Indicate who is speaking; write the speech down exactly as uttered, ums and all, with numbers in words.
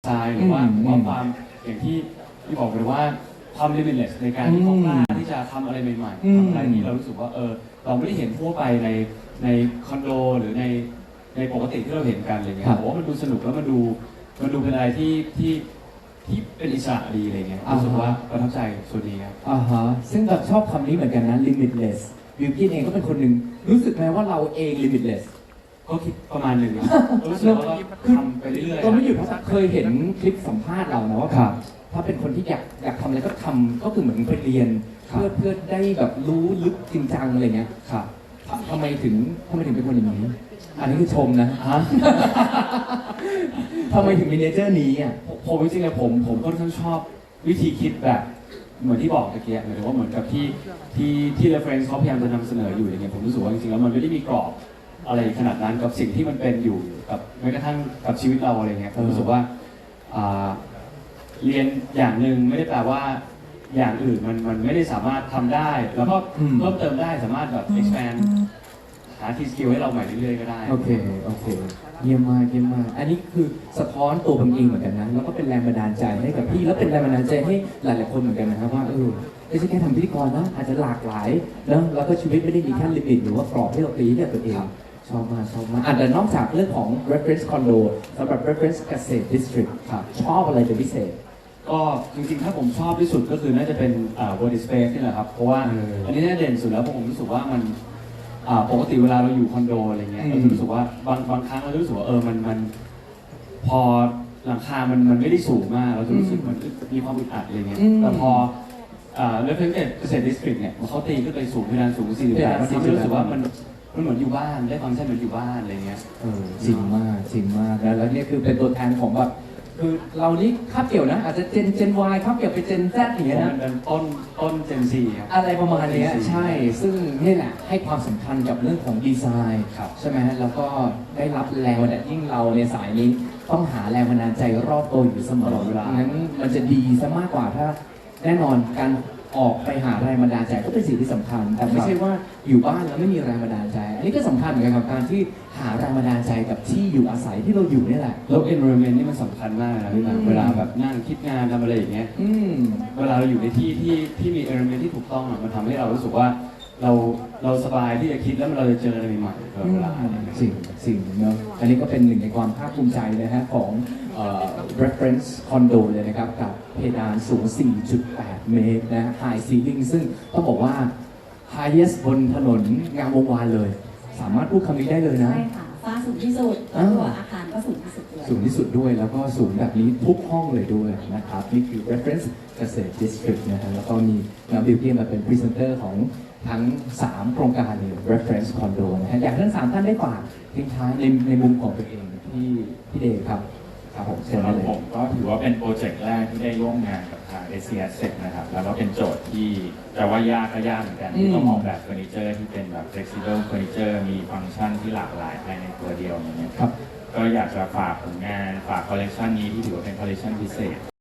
Speaker 1: ไซน์หรือว่าว่าความอย่างที่ที่บอกไปว่าความ limitless ในการที่เขากล้าที่จะทำอะไรใหม่ๆทำอะไรที่เรารู้สึกว่าเออเราไม่ได้เห็นทั่วไปในในคอนโดหรือในในปกติที่เราเห็นกันอะไรเงี้ยผมว่ามันดูสนุกแล้วมันดูมันดูเป็นอะไรที่ที่ที่เป็นอิสระดีอะไรเงี้ยรู้สึกว่าประทับใจส่วนนี้ครับ
Speaker 2: อ่าฮะซึ่งแบบชอบคำนี้เหมือนกันนะ limitless บิวกิ้นเองก็เป็นคนหนึ่งรู้สึกไหมว่าเราเอง limitless
Speaker 1: ก็คิดประมาณหนึ่งรู้สึกว่าเราทำไปเรื่อยๆ
Speaker 2: ก็ไม่หยุดเคยเห็นคลิปสัมภาษณ์เรานะว่าถ้าเป็นคนที่อยากอยากทำอะไรก็ทำก็คือเหมือนไปเรียนเพื่อเพื่อได้แบบรู้ลึกจริงจังอะไรเงี้ยครับทำไมถึงทำไมถึงเป็นคนอย่างนี้อันนี้คือชมนะฮะทำไมถึงมีเนเจอร์นี้อ่ะ
Speaker 1: ผมจริงๆผมผมค่อนข้างชอบวิธีคิดแบบเหมือนที่บอกตะเกียบหรือว่าเหมือนกับที่ที่ที่ reference เขาพยายามจะนำเสนออยู่อย่างเงี้ยผมรู้สึกว่าจริงๆแล้วมันไม่ได้มีกรอบอะไรขนาดนั้นกับสิ่งที่มันเป็นอยู่กับแม้กระทั่งกับชีวิตเราอะไรเงี้ยผมรู้สึกว่าเรียนอย่างหนึ่งไม่ได้แปลว่าอย่างอื่นมันมันไม่ได้สามารถทำได้แล้วก็เพิ่มเติมได้สามารถแบบ expand หาทีสกิลให้เราใหม่เรื่อยๆก็ได้
Speaker 2: โอเคโอเคเยี่ยมมากเยี่ยมมากอันนี้คือสะท้อนตัวผมเองเหมือนกันนะแล้วก็เป็นแรงบันดาลใจให้กับพี่แล้วเป็นแรงบันดาลใจให้หลายๆคนเหมือนกันนะครับว่าเออไม่ใช่แค่ทำพิธีกรนะอาจจะหลากหลายแล้วแล้วก็ชีวิตไม่ได้มีแค่ลิมิตหรือว่ากรอบที่เราตีเนี่ยตัวเองชอบมากชอบมากอ่ะแต่นอกจากเรื่องของ reference condo สำหรับ reference เกษตร district ครับชอบอะไรเป็นพิเศษ
Speaker 1: ก็จริงๆถ้าผมชอบที่สุดก็คือน่าจะเป็นอ่า body space นี่แหละครับเพราะว่าอันนี้น่าเด่นสุดแล้วเพราะผมรู้สึกว่ามันปกติเวลาเราอยู่คอนโดอะไรเงี้ยเราจะรู้สึกว่าบางบางครั้งเราจะรู้สึกว่าเออมันมันพอหลังคามันมันไม่ได้สูงมากเราจะรู้สึกมันมีความอึดอัดอะไรเงี้ยแต่พอเรฟเฟนเกษตรดิสตริกเนี่ยเขาตีขึ้นไปสูงเพดานสูงสี่สิบแปดมันทำให้รู้สึกว่ามันมันเหมือนอยู่บ้านได้ฟังก์ชันเหมือนอยู่บ้านอะไรเงี้ย
Speaker 2: เออจริงมากจริงมากแล้วแล้วนี่คือเป็นตัวแทนของแบบคือเรานี่คาบเกี่ยวนะอาจจะเจนเจน Y คาบเกี่ยวไปเจน Z อย่างเงี้ยนะ
Speaker 1: เป็นต้นต้นเจน C ครับ
Speaker 2: อะไรประมาณนี้ใช่ซึ่งนี่แหละให้ความสำคัญกับเรื่องของดีไซน์ใช่ไหมแล้วก็ได้รับแรงบันดาลยิ่งเราในสายนี้ต้องหาแรงบันดาลใจรอบตัวอยู่เสมอเวลางั้นมันจะดีซะมากกว่าถ้าแน่นอนการออกไปหาแรงบันดาลใจก็เป็นสิ่งที่สำคัญแต่ไม่ใช่ว่าอยู่บ้านแล้วไม่มีแรงบันดาลใจอันนี้ก็สำคัญเหมือนกันกับการที่หาแรงบันดาลใจกับที่อยู่อาศัยที่เราอยู่นี่แหละ
Speaker 1: แล้ว environment นี่มันสำคัญมากนะพี่บางเวลาแบบนั่งคิดงานทำอะไรอย่างเงี้ยเวลาเราอยู่ในที่ที่ที่มี environment ที่ถูกต้องมันทำให้เรารู้สึกว่าเราเราสบายที่จะคิดแล้วเราจะเจออะไรใหม่ๆตลอดเวลา
Speaker 2: สิ่งสิ่งเนาะอันนี้ก็เป็นหนึ่งในความภาคภูมิใจนะฮะของ reference condo เลยนะครับกับเพดานสูง สี่จุดแปด เมตรนะ high ceiling ซึ่งต้องบอกว่า highest บนถนนงามวงวานเลย สามารถพูดคำนี้ได้เลยนะ
Speaker 3: ใช่ค่ะฟ้าสูงที่สุดตัวอาคารก็สูงที่สุดด้วย
Speaker 2: สูงที่สุดด้วยแล้วก็สูงแบบนี้ทุกห้องเลยด้วยนะครับนี่คือ reference เกษตร district นะฮะแล้วก็มีน้องบิวตี้มาเป็นพรีเซนเตอร์ของทั้งสามโครงการใน reference condo นะฮะอยากให้ทั้งสามท่านได้ฝากทิ้งท้ายในในมุมของตัวเองที่พี่เดชครับครับผม
Speaker 4: สำหรับผมก็ถือว่าเป็นโปรเจกต์แรกที่ได้ร่วมงานกับทาง เอ ซี เอส นะครับแล้วก็เป็นโจทย์ที่จะว่ายากก็ยากเหมือนกันที่ต้องออกแบบเฟอร์นิเจอร์ที่เป็นแบบ flexible furniture มีฟังก์ชันที่หลากหลายภายในตัวเดียวอย่างเงี้ยก็อยากจะฝากผลงานฝากคอลเลกชันนี้ที่ถือว่าเป็นคอลเลกชันพิเศษ